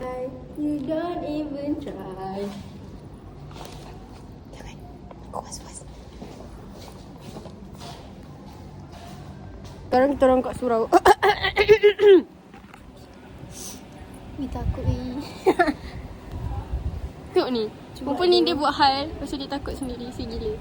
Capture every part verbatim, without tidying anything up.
You don't even try. Jangan. Kuas, kuas. Sekarang kita orang kat surau. Ui, takut ni. Tengok ni. Rupa ni dia buat hal. Lepas tu dia takut sendiri. Si gila.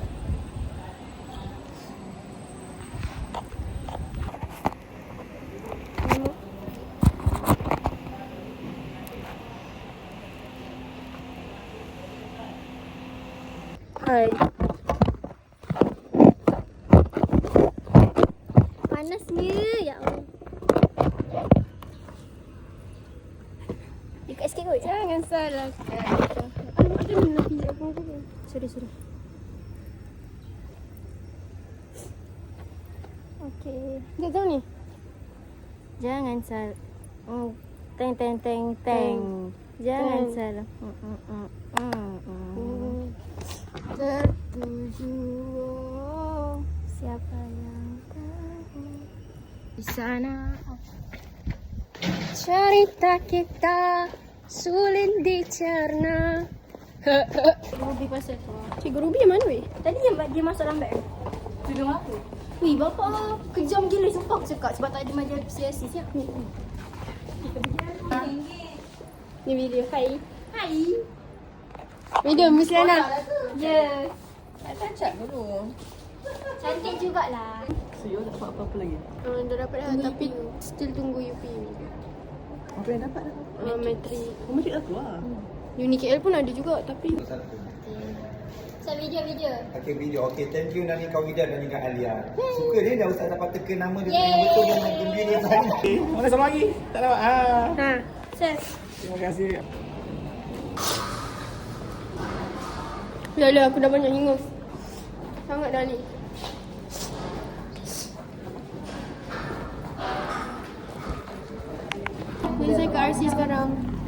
Hai. Panasnya, ya Allah. Dekat sikit kot. Jangan salahkan. Alamak, ada nak pijak apa apa. Sorry, sorry. Okey. Dia tahu ni. Jangan salah. Oh, teng teng teng teng. Jangan salah. Hmm hmm hmm. Hmm. Tertuju, siapa yang tahu di sana cerita kita sulit dicerna. Ruby pasal tu. Cikgu Ruby yang mana weh? Tadi yang dia masuk dalam beg. Tudung apa? Wih, bapak kejam gila sumpah aku cakap sebab tak ada majlis persiasi siap. Ni. Ni video. Hai. Hai. Video Miss Lana. Ya. Tak cacat dulu. Cantik jugalah. So, you tak dapat apa-apa lagi? Uh, dah dapat dah tapi still tunggu U P U. Apa yang dapat dah? Uh, Metrik. Oh, matrik dah keluar. Hmm. Uni K L pun ada juga tapi Satu. saya video-video. Okey, video. Okey, thank you Nani Kawida dan juga Alia. Suka dia dah Ustaz dapat teka nama dia Yeay. yang betul yang gembira sangat. Okay, mana sama lagi? Tak dapat. Ah. Ha, set. Terima kasih. Dah lah aku dah banyak hingus. Sangat dah ni. Jadi saya ke R C sekarang.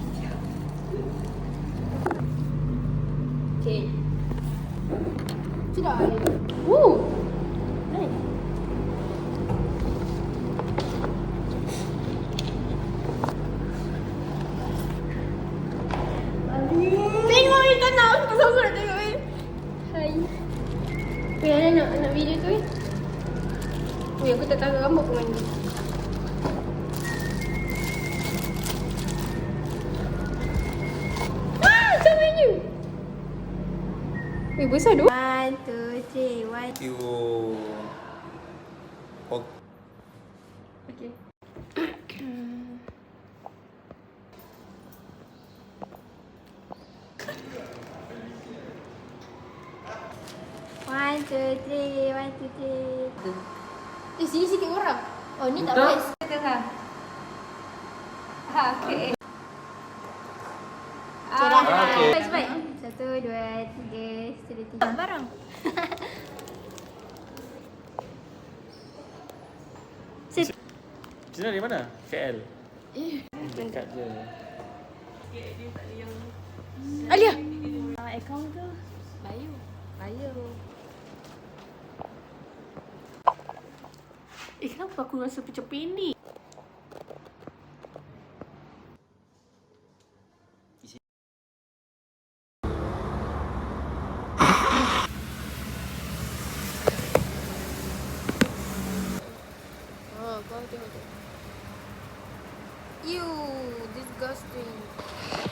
Okay. Sudah. Woo. Nice. Tengok ni tak nak. Aku sama nak tengok ni. Hai. Weh, Ana nak, nak video tu eh. Weh, aku tak tahu rambut pun mandi. Ah, macam mana? Weh, besar tu. One, two, three, one. Thank you. Oh, Okay. One, two, three, one, two, three. Eh, sini sikit orang. Oh, ni tak voice. Tengah. Ha, okey. Okay, dah. Okay. Baik, baik. Satu, dua, tiga, sudah tiga. Barang. Cina dari mana? K L. Eh, Dekat je. Alia. Uh, akaun tu. Bayu. Bayu. Eh, kenapa aku rasa macam pendek? Oh, kau tengok tu. Ew, disgusting.